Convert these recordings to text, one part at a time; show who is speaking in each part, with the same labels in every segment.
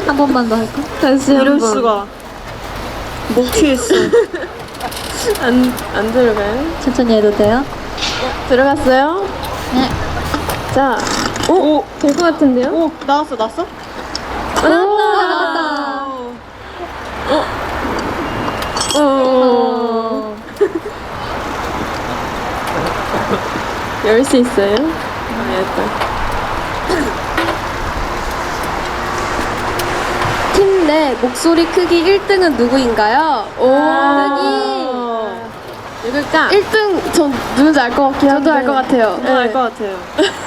Speaker 1: 한 번만 더 할까?
Speaker 2: 다시
Speaker 3: 이럴
Speaker 2: 한번.
Speaker 3: 수가. 목 취했어.
Speaker 2: 안 들어가요?
Speaker 1: 천천히 해도 돼요?
Speaker 2: 들어갔어요?
Speaker 1: 네.
Speaker 2: 자,
Speaker 3: 오,
Speaker 2: 될 것 같은데요?
Speaker 3: 오, 나왔어, 나왔어?
Speaker 1: 나왔다.
Speaker 2: 열 수 있어요? 일단. 팀 내 목소리 크기 1등은 누구인가요? 누굴까? 1등 전 누군지 알 것 같긴 한데 저도 알 것 같아요.
Speaker 3: 저도 알 것 같아요.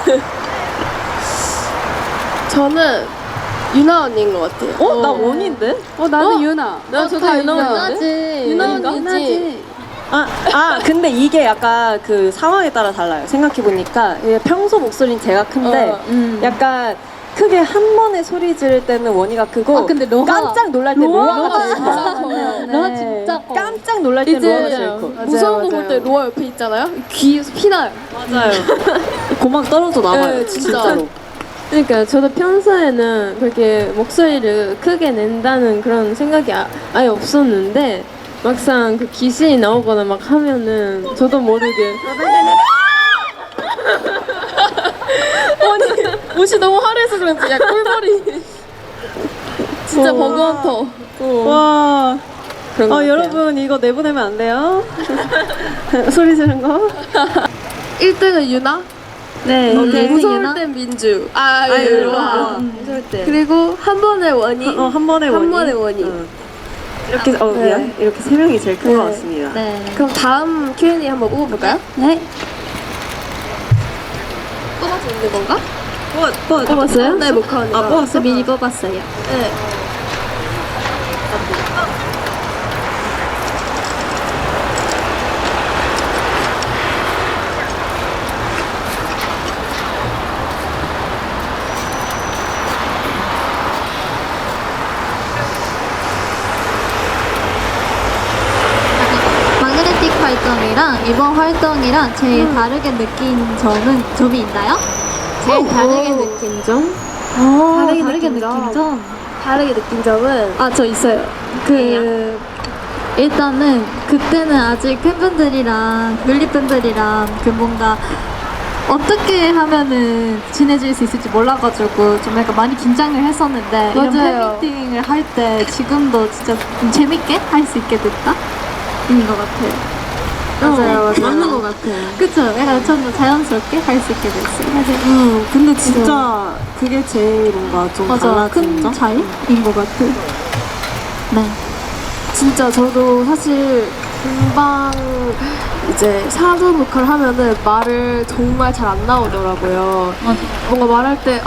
Speaker 2: 저는 유나 언니인 것 같아요.
Speaker 3: 어? 나 원인데?
Speaker 2: 나는 유나. 저도 유나
Speaker 1: 유나지.
Speaker 2: 유나 언니지.
Speaker 3: 근데 이게 약간 그 상황에 따라 달라요. 생각해보니까 평소 목소리는 제가 큰데 약간 크게 한 번에 소리 지를 때는 원희가 크고
Speaker 1: 근데 로하-
Speaker 3: 깜짝 놀랄 때 로아가 제일 커요.
Speaker 1: 로하 진짜 커.
Speaker 3: 깜짝 놀랄 때 로아가 제일 커.
Speaker 2: 무서운 거 볼 때 로아 옆에 있잖아요. 귀에서 피나요.
Speaker 3: 맞아요. 고막 떨어져 나와요.
Speaker 2: 네, 진짜.
Speaker 3: 진짜로.
Speaker 2: 그러니까 저도 평소에는 그렇게 목소리를 크게 낸다는 그런 생각이 아예 없었는데 막상 그 귀신이 나오거나 막 하면은 저도 모르게 아니 옷이 너무 화려해서 그런지 야 꿀벌이 진짜 버거운터
Speaker 3: 와.
Speaker 2: 그런 거 같아요.
Speaker 3: 여러분 이거 내보내면 안 돼요? 소리 지른 거?
Speaker 2: 1등은 유나?
Speaker 3: 네.
Speaker 1: 오케이.
Speaker 2: 무서울
Speaker 1: 유나?
Speaker 2: 땐 민주
Speaker 3: 로아.
Speaker 2: 무서울 때 그리고 한 번에 원희
Speaker 3: 한 번에 원희.
Speaker 2: 한 번에 원희.
Speaker 3: 이렇게 미안. 이렇게 세 명이 제일 큰 것 같습니다.
Speaker 1: 네.
Speaker 2: 그럼 다음 Q&A 한번 뽑아볼까요?
Speaker 1: 네.
Speaker 2: 뽑아서 있는 건가?
Speaker 3: 뽑았어요?
Speaker 2: 네, 모카 언니가.
Speaker 3: 아, 뽑았어?
Speaker 1: 저 미니 뽑았어요.
Speaker 2: 네.
Speaker 1: 마그네틱 활동이랑 이번 활동이랑 제일 다르게 느낀 점이 있나요? 제일 다르게 느낀 점? 다르게 느낀 점?
Speaker 2: 다르게 느낀 점은
Speaker 1: 저 있어요. 일단은 그때는 아직 팬분들이랑 뮬리팬들이랑 뭔가 어떻게 하면은 친해질 수 있을지 몰라가지고 좀 약간 많이 긴장을 했었는데 이런
Speaker 2: 맞아요.
Speaker 1: 팬미팅을 할 때 지금도 진짜 좀 재밌게 할 수 있게 됐다? 인것 같아요.
Speaker 2: 맞아요.
Speaker 1: 맞는 것 같아요. 그쵸? 약간 좀 더 자연스럽게 할 수 있게 됐어요.
Speaker 3: 근데 진짜 그게 제일 뭔가 좀
Speaker 1: 맞아.
Speaker 3: 달라진
Speaker 1: 큰
Speaker 3: 점?
Speaker 1: 차이인 것 같아요. 네.
Speaker 2: 진짜 저도 사실 금방 이제 사전 녹화를 하면은 말을 정말 잘 안 나오더라고요. 뭔가 말할 때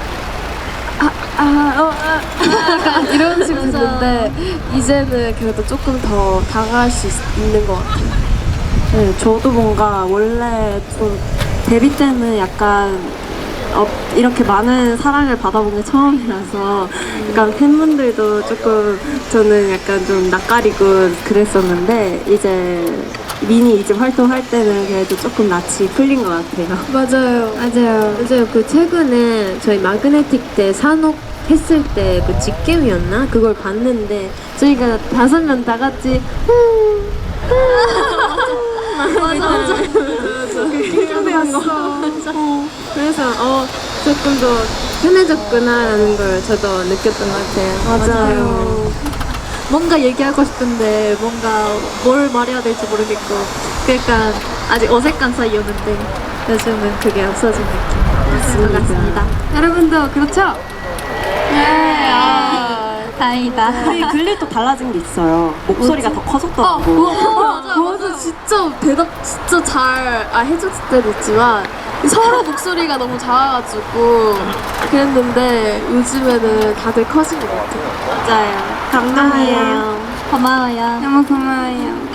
Speaker 2: 약간 이런 식으로 듣는데 이제는 그래도 조금 더 다가갈 수 있는 것 같아요.
Speaker 3: 네, 저도 뭔가 원래 좀 데뷔 때는 약간 이렇게 많은 사랑을 받아본 게 처음이라서 약간 팬분들도 조금 저는 약간 좀 낯가리고 그랬었는데 이제 미니 이집 활동할 때는 그래도 조금 낯이 풀린 것 같아요.
Speaker 2: 맞아요. 그 최근에 저희 마그네틱 때 산옥 했을 때 그 직캠이었나? 그걸 봤는데 저희가 5명 다 같이 맞아. 그래서 조금 더 편해졌구나라는 걸 저도 느꼈던 것 같아요.
Speaker 3: 맞아요.
Speaker 1: 뭔가 얘기하고 싶은데 뭔가 뭘 말해야 될지 모르겠고 그러니까 아직 어색한 사이였는데 요즘은 그게 없어진 느낌인 것 같습니다. 여러분도 그렇죠? 네. 다행이다.
Speaker 3: 우리 글리 또 달라진 게 있어요. 목소리가 더 커졌더라고.
Speaker 2: 그것도 진짜 잘 해줬을 때도 있지만 서로 목소리가 너무 작아가지고 그랬는데 요즘에는 다들 커진 것 같아요.
Speaker 3: 맞아요. 감동이에요.
Speaker 1: 고마워요.
Speaker 2: 너무 고마워요.